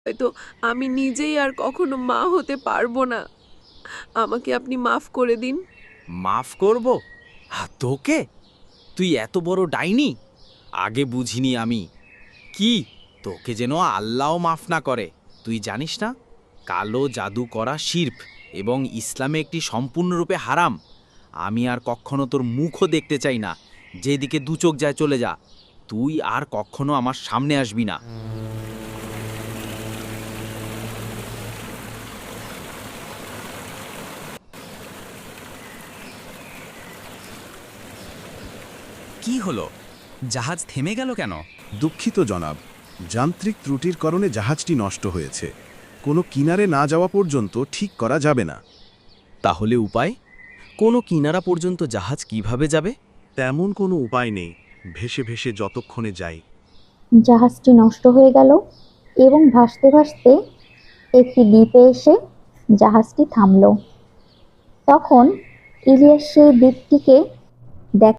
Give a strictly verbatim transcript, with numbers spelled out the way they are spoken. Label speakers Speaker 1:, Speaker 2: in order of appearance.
Speaker 1: হয়তো আমি নিজেই আর কখনো মা হতে পারবো না। আমাকে আপনি মাফ করে দিন।
Speaker 2: মাফ করব? হা, তোকে? তুই এত বড় ডাইনি? আগে বুঝিনি আমি। কি, তোকে যেন আল্লাহও মাফ না করে। তুই জানিস না, কালো জাদু করা শিরক এবং ইসলামে একটি সম্পূর্ণরূপে হারাম। আমি আর কখনো তোর মুখও দেখতে চাই না। যেদিকে দু চোখ যায় চলে যা। তুই আর কখনো আমার সামনে আসবি না।
Speaker 3: কি হলো? জাহাজ থেমে গেল কেন?
Speaker 4: দুঃখিত জনাব, যান্ত্রিক ত্রুটির কারণে জাহাজটি নষ্ট হয়েছে। কোনো কিনারে না যাওয়া পর্যন্ত ঠিক করা যাবে না।
Speaker 5: তাহলে উপায়? কোনো কিনারা পর্যন্ত জাহাজ কিভাবে যাবে?
Speaker 4: তেমন কোনো উপায় নেই, ভেসে ভেসে যতক্ষণে যাই।
Speaker 6: জাহাজটি নষ্ট হয়ে গেল এবং ভাসতে ভাসতে একটি দ্বীপে এসে জাহাজটি থামল। তখন ইলিয়াস সেই দ্বীপটিকে দেখ